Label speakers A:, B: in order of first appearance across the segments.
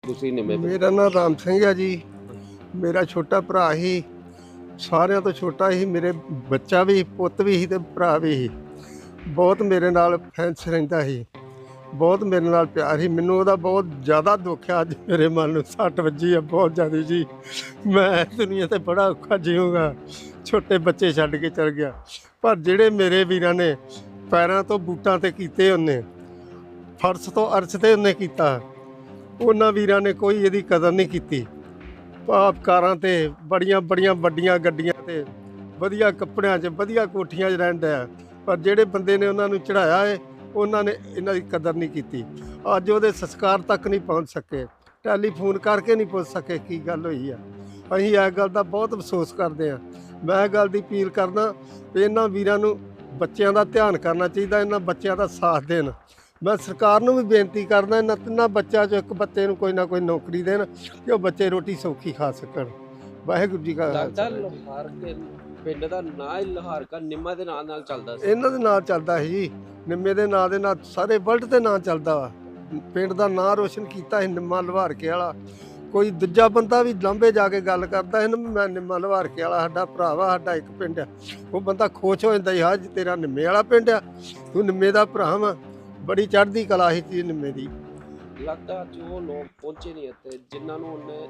A: ਤੁਸੀਂ ਨਿੰਮੇ
B: ਮੇਰਾ ਨਾਮ ਰਾਮ ਸਿੰਘ ਹੈ ਜੀ। ਮੇਰਾ ਛੋਟਾ ਭਰਾ ਹੀ, ਸਾਰਿਆਂ ਤੋਂ ਛੋਟਾ ਹੀ। ਮੇਰੇ ਬੱਚਾ ਵੀ, ਪੁੱਤ ਵੀ ਸੀ ਤੇ ਭਰਾ ਵੀ ਸੀ। ਬਹੁਤ ਮੇਰੇ ਨਾਲ ਫੈਂਸ ਰਹਿੰਦਾ ਸੀ, ਬਹੁਤ ਮੇਰੇ ਨਾਲ ਪਿਆਰ ਸੀ। ਮੈਨੂੰ ਉਹਦਾ ਬਹੁਤ ਜ਼ਿਆਦਾ ਦੁੱਖ ਆ। ਅੱਜ ਮੇਰੇ ਮਨ ਨੂੰ ਸੱਟ ਵੱਜੀ ਆ ਬਹੁਤ ਜ਼ਿਆਦਾ ਜੀ। ਮੈਂ ਦੁਨੀਆ ਤੇ ਬੜਾ ਔਖਾ ਜੀਊਂਗਾ। ਛੋਟੇ ਬੱਚੇ ਛੱਡ ਕੇ ਚਲ ਗਿਆ, ਪਰ ਜਿਹੜੇ ਮੇਰੇ ਵੀਰਾਂ ਨੇ ਪੈਰਾਂ ਤੋਂ ਬੂਟਾਂ ਤੇ ਕੀਤੇ, ਉਹਨੇ ਫਰਸ਼ ਤੋਂ ਅਰਸ਼ ਤੇ ਉਹਨੇ ਕੀਤਾ, ਉਹਨਾਂ ਵੀਰਾਂ ਨੇ ਕੋਈ ਇਹਦੀ ਕਦਰ ਨਹੀਂ ਕੀਤੀ। ਆਪ ਕਾਰਾਂ ਤੇ ਬੜੀਆਂ ਬੜੀਆਂ ਵੱਡੀਆਂ ਗੱਡੀਆਂ ਤੇ ਵਧੀਆ ਕੱਪੜਿਆਂ 'ਚ ਵਧੀਆ ਕੋਠੀਆਂ 'ਚ ਰਹਿਣ ਡਿਆ, ਪਰ ਜਿਹੜੇ ਬੰਦੇ ਨੇ ਉਹਨਾਂ ਨੂੰ ਚੜ੍ਹਾਇਆ ਹੈ, ਉਹਨਾਂ ਨੇ ਇਹਨਾਂ ਦੀ ਕਦਰ ਨਹੀਂ ਕੀਤੀ। ਅੱਜ ਉਹਦੇ ਸੰਸਕਾਰ ਤੱਕ ਨਹੀਂ ਪਹੁੰਚ ਸਕੇ, ਟੈਲੀਫੋਨ ਕਰਕੇ ਨਹੀਂ ਪੁੱਛ ਸਕੇ ਕੀ ਗੱਲ ਹੋਈ ਆ। ਅਸੀਂ ਇਸ ਗੱਲ ਦਾ ਬਹੁਤ ਅਫਸੋਸ ਕਰਦੇ ਹਾਂ। ਮੈਂ ਇਹ ਗੱਲ ਦੀ ਅਪੀਲ ਕਰਦਾ ਵੀ ਇਹਨਾਂ ਵੀਰਾਂ ਨੂੰ ਬੱਚਿਆਂ ਦਾ ਧਿਆਨ ਕਰਨਾ ਚਾਹੀਦਾ, ਇਹਨਾਂ ਬੱਚਿਆਂ ਦਾ ਸਾਥ ਦੇਣ। ਮੈਂ ਸਰਕਾਰ ਨੂੰ ਵੀ ਬੇਨਤੀ ਕਰਦਾ, ਇਹਨਾਂ ਤਿੰਨਾਂ ਬੱਚਿਆਂ 'ਚੋਂ ਇੱਕ ਬੱਚੇ ਨੂੰ ਕੋਈ ਨਾ ਕੋਈ ਨੌਕਰੀ ਦੇਣ ਕਿ ਉਹ ਬੱਚੇ ਰੋਟੀ ਸੌਖੀ ਖਾ ਸਕਣ। ਵਾਹਿਗੁਰੂ ਜੀ ਕਾ
A: ਲੱਗਦਾ
B: ਖਾਲਸਾ।
A: ਲੋਹਾਰ ਕੇ ਪਿੰਡ ਦਾ ਨਾਂ ਹੀ ਲੋਹਾਰ ਕਾ ਨਿੰਮਾ ਦੇ ਨਾਂ ਨਾਲ ਚੱਲਦਾ ਸੀ।
B: ਇਹਨਾਂ ਦੇ ਨਾਂ ਚੱਲਦਾ ਸੀ ਜੀ, ਨਿੰਮੇ ਦੇ ਨਾਂ ਦੇ ਨਾਲ ਸਾਰੇ ਵਰਲਡ ਤੇ ਨਾਂ ਚੱਲਦਾ ਵਾ। ਪਿੰਡ ਦਾ ਨਾਂ ਰੋਸ਼ਨ ਕੀਤਾ ਸੀ ਨਿੰਮਾ ਲਵਾਰਕੇ ਵਾਲਾ। ਕੋਈ ਦੂਜਾ ਬੰਦਾ ਵੀ ਲਾਂਭੇ ਜਾ ਕੇ ਗੱਲ ਕਰਦਾ ਸੀ ਨਾ, ਮੈਂ ਨਿੰਮਾ ਲਵਾਰਕੇ ਵਾਲਾ, ਸਾਡਾ ਭਰਾ ਵਾ, ਸਾਡਾ ਇੱਕ ਪਿੰਡ ਆ, ਉਹ ਬੰਦਾ ਖੁਸ਼ ਹੋ ਜਾਂਦਾ ਸੀ, ਹਾਂ ਜੀ ਤੇਰਾ ਨਿੰਮੇ ਵਾਲਾ ਪਿੰਡ ਆ, ਤੂੰ ਨਿੰਮੇ ਦਾ ਭਰਾ ਵਾ। ਬੜੀ ਚੜ੍ਹਦੀ ਕਲਾ ਸੀ ਜੀ ਨਿੰਮੇ ਦੀ।
A: ਲੱਗਦਾ ਜੋ ਲੋਕ ਪਹੁੰਚੇ ਨਹੀਂ ਇੱਥੇ, ਜਿਨ੍ਹਾਂ ਨੂੰ ਉਹਨੇ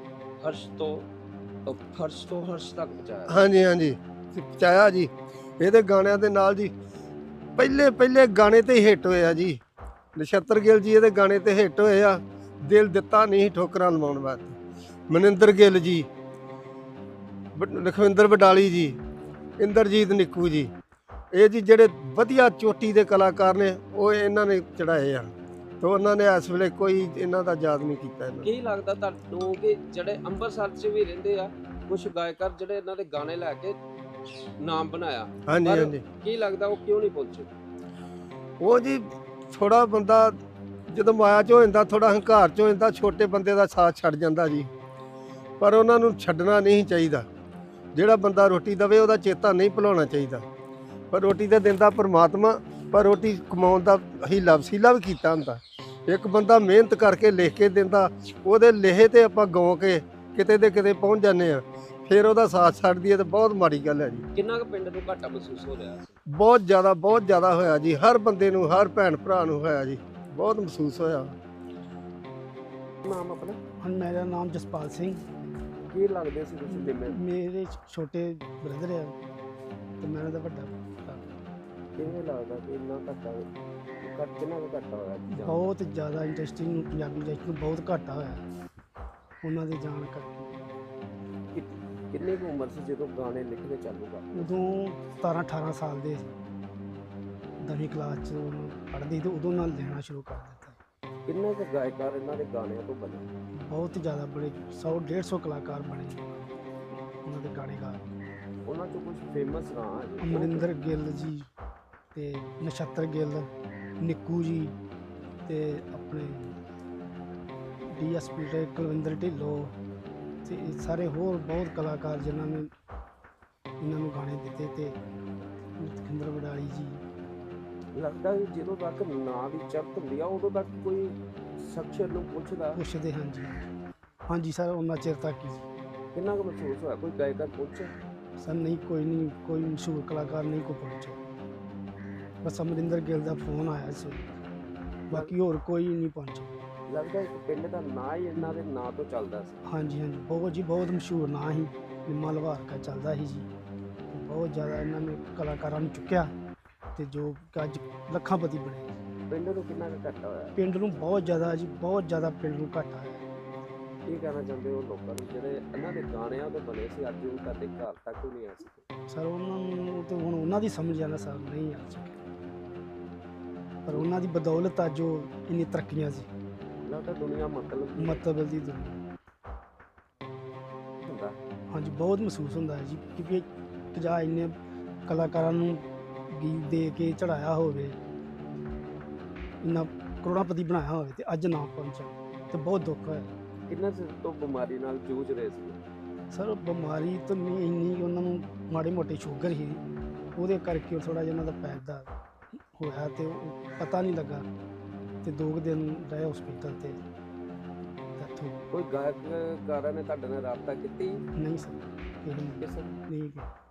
A: ਫਰਸ਼ ਤੋਂ ਹਰਸ਼ ਤੱਕ ਪਹੁੰਚਾਇਆ।
B: ਹਾਂਜੀ ਹਾਂਜੀ, ਪਹੁੰਚਾਇਆ ਜੀ। ਇਹਦੇ ਗਾਣਿਆਂ ਦੇ ਨਾਲ ਜੀ, ਪਹਿਲੇ ਪਹਿਲੇ ਗਾਣੇ ਤੇ ਹਿੱਟ ਹੋਏ ਆ ਜੀ। ਨਛੱਤਰ ਗਿੱਲ ਜੀ ਇਹਦੇ ਗਾਣੇ ਤੇ ਹਿੱਟ ਹੋਏ ਆ। ਦਿਲ ਦਿੱਤਾ ਨਹੀਂ ਠੋਕਰਾਂ ਲਵਾਉਣ ਵਾਸਤੇ। ਮਨਿੰਦਰ ਗਿੱਲ ਜੀ, ਲਖਵਿੰਦਰ ਵਡਾਲੀ ਜੀ, ਇੰਦਰਜੀਤ ਨਿੱਕੂ ਜੀ, ਇਹ ਜੀ ਜਿਹੜੇ ਵਧੀਆ ਚੋਟੀ ਦੇ ਕਲਾਕਾਰ ਨੇ, ਉਹ ਇਹਨਾਂ ਨੇ ਚੜਾਏ ਆ। ਤੇ ਉਹਨਾਂ ਨੇ ਇਸ ਵੇਲੇ ਕੋਈ ਇਹਨਾਂ ਦਾ ਯਾਦ ਨਹੀਂ ਕੀਤਾ ਇਹਨਾਂ ਨੂੰ।
A: ਕੀ ਲੱਗਦਾ ਤੁਹਾਨੂੰ ਕਿ ਜਿਹੜੇ ਅੰਮ੍ਰਿਤਸਰ 'ਚ ਵੀ ਰਹਿੰਦੇ ਆ ਕੁਝ ਗਾਇਕਾਰ, ਜਿਹੜੇ ਇਹਨਾਂ ਦੇ ਗਾਣੇ ਲੈ ਕੇ ਨਾਮ ਬਣਾਇਆ,
B: ਹਾਂਜੀ
A: ਪਰ
B: ਹਾਂਜੀ,
A: ਕੀ ਲੱਗਦਾ ਉਹ ਕਿਉਂ ਨਹੀਂ ਪਹੁੰਚੇ?
B: ਉਹ ਜੀ ਥੋੜਾ ਬੰਦਾ ਜਦੋਂ ਮਾਇਆ 'ਚ ਹੋ ਜਾਂਦਾ, ਥੋੜਾ ਹੰਕਾਰ 'ਚ ਹੋ ਜਾਂਦਾ, ਛੋਟੇ ਬੰਦੇ ਦਾ ਸਾਥ ਛੱਡ ਜਾਂਦਾ ਜੀ। ਪਰ ਉਹਨਾਂ ਨੂੰ ਛੱਡਣਾ ਨਹੀਂ ਚਾਹੀਦਾ। ਜਿਹੜਾ ਬੰਦਾ ਰੋਟੀ ਦੇਵੇ ਉਹਦਾ ਚੇਤਾ ਨਹੀਂ ਭੁਲਾਉਣਾ ਚਾਹੀਦਾ। ਪਰ ਰੋਟੀ ਤਾਂ ਦਿੰਦਾ ਪਰਮਾਤਮਾ, ਪਰ ਰੋਟੀ ਕਮਾਉਣ ਦਾ ਹੀਲਾ ਵਸੀਲਾ ਵੀ ਕੀਤਾ ਹੁੰਦਾ। ਇੱਕ ਬੰਦਾ ਮਿਹਨਤ ਕਰਕੇ ਲਿਖ ਕੇ ਦਿੰਦਾ, ਉਹਦੇ ਲੇਹੇ ਤੇ ਆਪਾਂ ਗਾਉ ਕੇ ਕਿਤੇ ਦੇ ਕਿਤੇ ਪਹੁੰਚ ਜਾਂਦੇ ਆ, ਫਿਰ ਉਹਦਾ ਸਾਥ ਛੱਡ ਦਈਏ ਤਾਂ ਬਹੁਤ ਮਾੜੀ ਗੱਲ ਹੈ ਜੀ।
A: ਕਿੰਨਾ ਕੁ ਪਿੰਡ ਨੂੰ ਘਾਟਾ ਮਹਿਸੂਸ ਹੋ ਰਿਹਾ ਸੀ?
B: ਬਹੁਤ ਜ਼ਿਆਦਾ ਹੋਇਆ ਜੀ। ਹਰ ਬੰਦੇ ਨੂੰ, ਹਰ ਭੈਣ ਭਰਾ ਨੂੰ ਹੋਇਆ ਜੀ, ਬਹੁਤ ਮਹਿਸੂਸ ਹੋਇਆ।
A: ਨਾਮ ਆਪਣਾ?
C: ਹੁਣ ਮੇਰਾ ਨਾਮ ਜਸਪਾਲ ਸਿੰਘ।
A: ਕੀ ਲੱਗਦੇ ਸੀ ਤੁਸੀਂ ਨਿੰਮੇ?
C: ਮੇਰੇ ਛੋਟੇ ਬ੍ਰਦਰ ਆ ਤੇ ਮੈਂ ਉਹਨਾਂ ਦਾ ਵੱਡਾ ਭਰਾ।
A: ਕਿਵੇਂ ਲੱਗਦਾ ਕਿ ਇੰਨਾ ਘਾਟਾ ਕਿੰਨਾ ਕੁ ਘਾਟਾ ਹੋਇਆ?
C: ਬਹੁਤ ਜ਼ਿਆਦਾ ਇੰਡਸਟਰੀ ਨੂੰ, ਪੰਜਾਬੀ ਇੰਡਸਟਰੀ ਨੂੰ ਬਹੁਤ ਘਾਟਾ ਹੋਇਆ ਉਹਨਾਂ ਦੇ ਜਾਣ ਕਰਕੇ।
A: ਕਿੰਨੀ ਕੁ ਉਮਰ ਸੀ ਜਦੋਂ ਗਾਣੇ ਲਿਖਣੇ ਚਾਲੂ ਕਰ?
C: ਉਦੋਂ 17-18 ਸਾਲ ਦੇ 10ਵੀਂ ਕਲਾਸ 'ਚ ਪੜ੍ਹਦੇ ਤੇ ਉਦੋਂ ਨਾਲ ਲਿਖਣਾ ਸ਼ੁਰੂ ਕਰ ਦਿੱਤਾ।
A: ਕਿੰਨੇ ਕੁ ਗਾਇਕਾਰ ਇਹਨਾਂ ਦੇ ਗਾਣਿਆਂ ਤੋਂ ਬਣੇ?
C: ਬਹੁਤ ਜ਼ਿਆਦਾ ਬੜੇ 100-150 ਕਲਾਕਾਰ ਬਣੇ ਉਹਨਾਂ ਦੇ ਗਾਣੇ ਗਾ।
A: ਉਹਨਾਂ 'ਚੋਂ ਕੁਝ ਫੇਮਸ ਨਾਂ ਹੈ?
C: ਅਮਰਿੰਦਰ ਗਿੱਲ ਜੀ ਤੇ ਨਛੱਤਰ ਗਿੱਲ, ਨਿੱਕੂ ਜੀ ਤੇ ਆਪਣੇ ਡੀਐਸਪੀ ਤੇ ਕੁਲਵਿੰਦਰ ਢਿੱਲੋਂ ਤੇ ਇਹ ਸਾਰੇ ਹੋਰ ਬਹੁਤ ਕਲਾਕਾਰ ਜਿਨ੍ਹਾਂ ਨੇ ਇਹਨਾਂ ਨੂੰ ਗਾਣੇ ਦਿੱਤੇ, ਤੇ ਲਖਵਿੰਦਰ ਵਡਾਲੀ ਜੀ।
A: ਲੱਗਦਾ ਵੀ ਜਦੋਂ ਤੱਕ ਨਾਂ ਦੀ ਚਰਚ ਹੁੰਦੀ ਆ ਉਦੋਂ ਤੱਕ ਕੋਈ ਸ਼ਖਸ ਨੂੰ
C: ਪੁੱਛਦੇ ਹਾਂਜੀ ਸਰ, ਉਹਨਾਂ ਚਿਰ ਤੱਕ ਹੀ।
A: ਕਿੰਨਾ ਕੁ ਮਹਿਸੂਸ ਹੋਇਆ? ਕੋਈ ਗਾਇਕਾਰ ਪਹੁੰਚੇ?
C: ਸਰ ਨਹੀਂ, ਕੋਈ ਮਸ਼ਹੂਰ ਕਲਾਕਾਰ ਨਹੀਂ ਕੋਈ ਪਹੁੰਚਿਆ। ਬਸ ਅਮਰਿੰਦਰ ਗਿੱਲ ਦਾ ਫੋਨ ਆਇਆ ਸੀ, ਬਾਕੀ ਹੋਰ ਕੋਈ ਨਹੀਂ ਪਹੁੰਚਿਆ।
A: ਲੱਗਦਾ ਇੱਕ ਪਿੰਡ ਦਾ ਨਾਂ ਹੀ ਇਹਨਾਂ ਦੇ ਨਾਂ ਤੋਂ ਚੱਲਦਾ ਸੀ।
C: ਹਾਂਜੀ ਬਹੁਤ ਮਸ਼ਹੂਰ ਨਾਂ ਸੀ, ਨਿੰਮਾ ਲਵਾਰਕਾ ਚੱਲਦਾ ਸੀ ਜੀ। ਬਹੁਤ ਜ਼ਿਆਦਾ ਇਹਨਾਂ ਨੇ ਕਲਾਕਾਰਾਂ ਨੂੰ ਚੁੱਕਿਆ ਤੇ ਜੋ ਅੱਜ ਲੱਖਾਂਪਤੀ ਬਣੇ।
A: ਪਿੰਡ ਨੂੰ ਕਿੰਨਾ ਕੁ ਘਾਟਾ ਹੋਇਆ?
C: ਪਿੰਡ ਨੂੰ ਬਹੁਤ ਜ਼ਿਆਦਾ ਪਿੰਡ ਨੂੰ ਘਾਟਾ ਹੈ।
A: ਕੀ ਕਹਿਣਾ ਚਾਹੁੰਦੇ ਹੋ ਲੋਕਾਂ ਨੂੰ ਜਿਹੜੇ ਇਹਨਾਂ ਦੇ ਗਾਣਿਆਂ ਤੋਂ ਬਣੇ ਸੀ, ਅੱਜ ਉਹ ਤੁਹਾਡੇ ਘਰ ਤੱਕ ਵੀ ਨਹੀਂ ਆ ਸਕੇ?
C: ਸਰ ਉਹਨਾਂ ਨੂੰ ਤਾਂ ਹੁਣ ਉਹਨਾਂ ਦੀ ਸਮਝ ਆਣਾ ਸਰ ਨਹੀਂ ਆ ਸਕਿਆ, ਪਰ ਉਹਨਾਂ ਦੀ ਬਦੌਲਤ ਅੱਜ ਉਹ ਇੰਨੀ ਤਰੱਕੀਆਂ ਸੀ।
A: ਲੱਗਦਾ ਦੁਨੀਆ
C: ਮਤਲਬ ਦੀ ਦੁਨੀਆ।
A: ਹੁੰਦਾ।
C: ਹਾਂਜੀ, ਬਹੁਤ ਮਹਿਸੂਸ ਹੁੰਦਾ ਹੈ ਜੀ, ਕਿਉਂਕਿ ਜਾਂ ਇੰਨੇ ਕਲਾਕਾਰਾਂ ਨੂੰ ਗੀਤ ਦੇ ਕੇ ਚੜਾਇਆ ਹੋਵੇ, ਇੰਨਾ ਕਰੋੜਾਪਤੀ ਬਣਾਇਆ ਹੋਵੇ ਤੇ ਅੱਜ ਨਾ ਪਹੁੰਚਾ ਤੇ ਬਹੁਤ ਦੁੱਖ ਹੋਇਆ।
A: ਕਿੰਨਾ ਚਿਰ ਤੋਂ ਬਿਮਾਰੀ ਨਾਲ ਜੂਝ ਰਹੇ ਸੀ?
C: ਸਰ ਬਿਮਾਰੀ ਤਾਂ ਨਹੀਂ ਇੰਨੀ, ਉਹਨਾਂ ਨੂੰ ਮਾੜੀ ਮੋਟੀ ਸ਼ੂਗਰ ਸੀ, ਉਹਦੇ ਕਰਕੇ ਥੋੜ੍ਹਾ ਜਿਹਾ ਉਹਨਾਂ ਦਾ ਪੈਰ ਦਾ ਹੋਇਆ ਤੇ ਉਹ ਪਤਾ ਨਹੀਂ ਲੱਗਾ ਤੇ 2 ਦਿਨ ਰਹੇ ਹਸਪੀਟਲ ਤੇ ਕਿੱਥੋਂ
A: ਕੋਈ ਗਾਇਕਕਾਰਾਂ ਨੇ ਤੁਹਾਡੇ ਨਾਲ ਰਾਬਤਾ ਕੀਤੀ
C: ਨਹੀਂ ਸਰ ਕਿਸੇ ਨੇ
A: ਕਿਸੇ
C: ਨਹੀਂ ਕੀਤਾ।